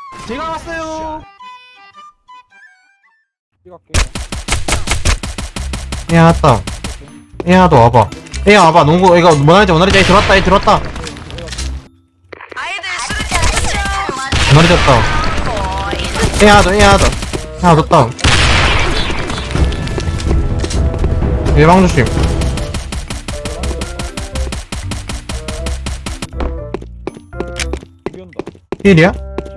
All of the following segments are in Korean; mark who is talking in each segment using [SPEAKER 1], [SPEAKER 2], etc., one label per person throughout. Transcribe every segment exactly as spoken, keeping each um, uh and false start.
[SPEAKER 1] 제가 왔어요.
[SPEAKER 2] 야 왔다. 야 너 와봐. 야 와봐. 농구 이거 뭐나리지 뭐나리지. 들어왔다. 얘 들어왔다. 뭐나리지 왔다. 야 너 야 너. 야 너 다운. 예방 조심. 힐이야?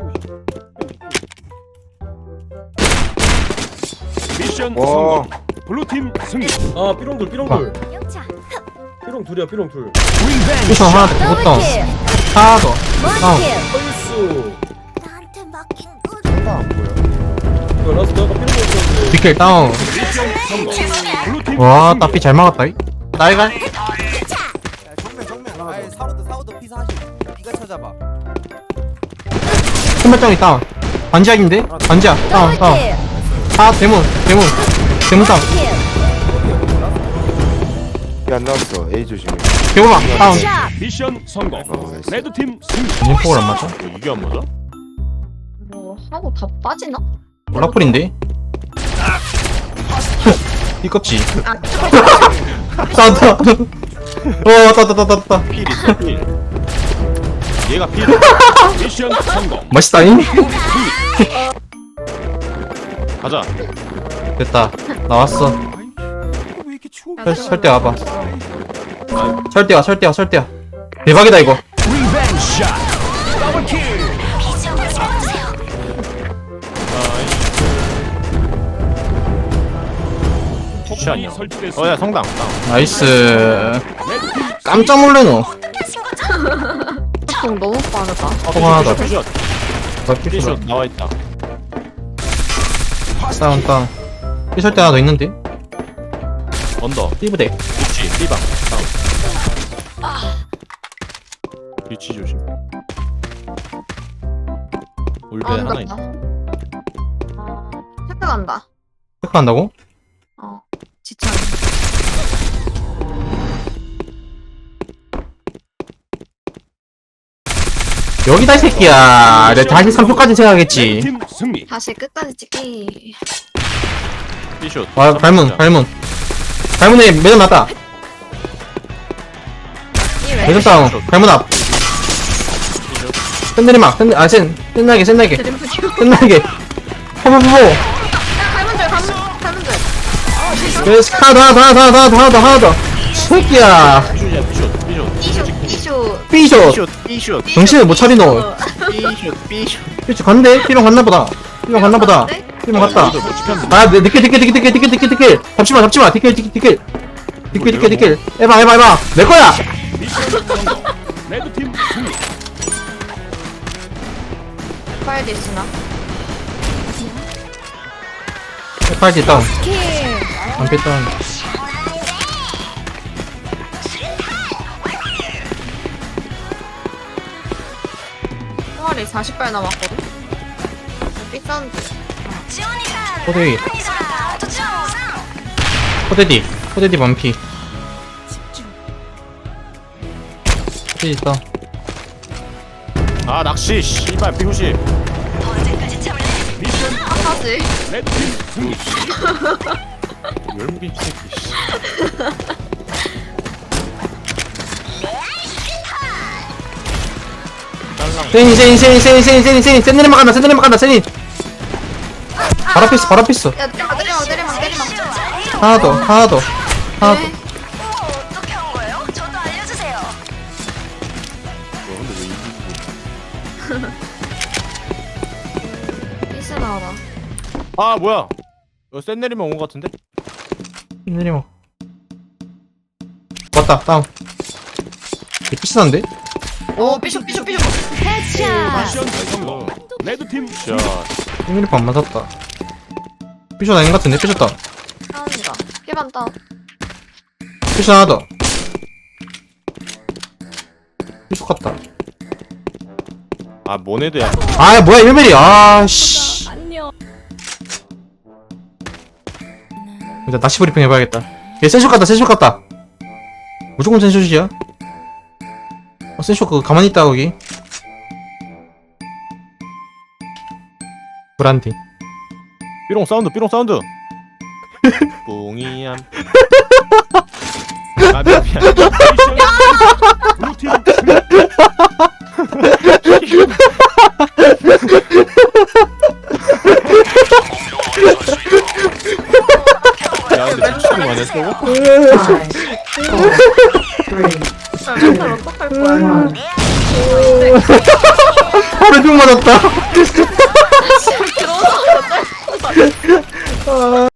[SPEAKER 3] 미션
[SPEAKER 4] 와.
[SPEAKER 3] 성공. 블루팀 승리.
[SPEAKER 5] 아 삐롱돌 삐롱돌 삐롱 둘이야 삐롱 둘
[SPEAKER 2] 피셔 하나 더. 못 다운. 하나 더. 다운.
[SPEAKER 5] 펄수
[SPEAKER 6] 나한테 맡긴 거
[SPEAKER 5] 이거 라스트 아까 삐롱 먹었는데
[SPEAKER 2] 뒷길 다운.
[SPEAKER 3] 미션 성공. 블루팀
[SPEAKER 2] 와
[SPEAKER 3] 승리.
[SPEAKER 2] 따피 잘 막았다. 이. 나이가.
[SPEAKER 1] 정면 정면. 아이 사우드 사우드 피사 하시. 네가 찾아봐.
[SPEAKER 2] 신발장이 다운. 반지약인데? 반지약. 다운 다운. 아 대문 대문. 대문 다운.
[SPEAKER 4] 안 나왔어. A 조심해.
[SPEAKER 2] 개구방 다운.
[SPEAKER 3] 미션 성공.
[SPEAKER 4] 어, 나이스.
[SPEAKER 3] 레드팀 승리.
[SPEAKER 2] 인폭을 안 맞아?
[SPEAKER 3] 이게 안 맞아?
[SPEAKER 6] 뭐 하고 다 빠지나?
[SPEAKER 2] 라플인데? 이껍지.
[SPEAKER 6] 아
[SPEAKER 2] 싸웠다. 어 왔다 왔다 왔다 왔다.
[SPEAKER 3] 필 있어 필. 얘가 필. 미션 성공.
[SPEAKER 2] 맛있다잉?
[SPEAKER 3] 가자.
[SPEAKER 2] 됐다. 나왔어.
[SPEAKER 1] 왜 이렇게 추워?
[SPEAKER 2] 설, 설대 와봐. 설대와 설대와 설대와. 대박이다 이거.
[SPEAKER 3] 리벤지 샷. 더블 킬. 샷이야. 설치됐어. 어야 성당.
[SPEAKER 2] 나이스. 깜짝 놀래노.
[SPEAKER 6] 공 너무 빠르다.
[SPEAKER 2] 통 하나 더.
[SPEAKER 3] 피샷.
[SPEAKER 2] 나
[SPEAKER 3] 피샷
[SPEAKER 2] 피셔.
[SPEAKER 3] 나와 있다.
[SPEAKER 2] 다운 다운. 이 설대 하나 더 있는데?
[SPEAKER 3] 언더.
[SPEAKER 2] 띠부대.
[SPEAKER 3] 위치. 띠방. 다운. 위치 조심. 울베
[SPEAKER 6] 아,
[SPEAKER 3] 하나
[SPEAKER 6] 온다.
[SPEAKER 3] 있다.
[SPEAKER 6] 아, 체크간다.
[SPEAKER 2] 체크한다고?
[SPEAKER 6] 어, 지천.
[SPEAKER 2] 여기다 이 새끼야. 내가 다시 삼 초까지 생각하겠지.
[SPEAKER 3] 팀 승리.
[SPEAKER 6] 다시 끝까지 찍기.
[SPEAKER 3] 피샷.
[SPEAKER 2] 와 발문 발문. 발문에 매점 났다. 매점 다운. 발문 앞. 샌내리막. 샌 아센 샌나게 샌나게
[SPEAKER 6] 드림프 큐.
[SPEAKER 2] 샌나게. 포포포포.
[SPEAKER 6] 갈문 줄, 갈문, 갈문 줄.
[SPEAKER 2] 그래서 하나 더 하나 더 하나 더 하나 더 하나 더. 새끼야.
[SPEAKER 3] 피샷이야 피샷. 피샷.
[SPEAKER 6] 이쇼, 이쇼.
[SPEAKER 2] 삐쇼.
[SPEAKER 3] 피샷.
[SPEAKER 2] 정신을 못 차리노.
[SPEAKER 3] 피샷. 피샷.
[SPEAKER 2] 삐쇼 갔네? 삐롱 갔나보다. 삐롱 갔나보다. 삐롱 갔다.
[SPEAKER 3] 못 지켰는데.
[SPEAKER 2] 아, 네, 니킬, 니킬, 니킬, 니킬, 니킬, 니킬, 니킬. 잡지마, 잡지마. 니킬, 니킬, 니킬. 니킬, 니킬, 니킬. 해봐, 해봐, 해봐. 내 거야!
[SPEAKER 3] 미션 성공. 레드팀 승리.
[SPEAKER 6] 파일도 있으나?
[SPEAKER 2] 팔지 다운.
[SPEAKER 6] 킬.
[SPEAKER 2] 안 뺐다운.
[SPEAKER 6] 총알이 사십 발 남았거든? 삐싼
[SPEAKER 2] 호대위. 호대디. 호대디 반피. 호대디 다운.
[SPEAKER 3] 아 낚시. 씨발 피구시. 미션
[SPEAKER 6] 하지.
[SPEAKER 3] 레드팀 승리. 열무김 새끼. 씨. 딸랑.
[SPEAKER 2] 세니, 세니, 세니, 세니, 세니, 세니, 세니. 센내리막 간다, 센내리막 간다, 세니. 바로 피스, 바로 피스.
[SPEAKER 6] 야, 때리마, 때리마, 때리마, 때리마.
[SPEAKER 2] 하나 더, 하나 더. 하나 더.
[SPEAKER 6] 네.
[SPEAKER 7] 어떻게 한 거예요? 저도 알려주세요.
[SPEAKER 3] 너 근데 왜 이기고?
[SPEAKER 6] 삐스 나와라.
[SPEAKER 3] 아 뭐야? 이거 센 내리면 온 거 같은데?
[SPEAKER 2] 센내리막. 왔다, 다운. 이게 피스한데?
[SPEAKER 6] 오, 삐쇼, 삐쇼, 삐쇼.
[SPEAKER 3] 미션 성공. 레드팀 샷.
[SPEAKER 2] 센내리막 안 맞았다. 피셔 아닌 것 같은데? 피셨다.
[SPEAKER 6] 다운이다. 피반 다운.
[SPEAKER 2] 피셔 하나 더. 피셔 같다.
[SPEAKER 3] 아 모네드야.
[SPEAKER 2] 아 뭐야 일 밀이 아씨. 일단 낚시 브리핑 해봐야겠다. 얘 센쇼 같다 센쇼 같다. 무조건 센쇼이야. 어 센쇼 그거 가만히 있다 거기. 불안디.
[SPEAKER 3] 삐롱 사운드 삐롱 사운드 뿡이얌 아 미안 미안 미션 블루팀 야 근데 미치기만 했어
[SPEAKER 6] 멘탈 어떡할 거야.
[SPEAKER 2] 허리 뿅 맞았다.
[SPEAKER 6] 들어오자마자
[SPEAKER 2] 아.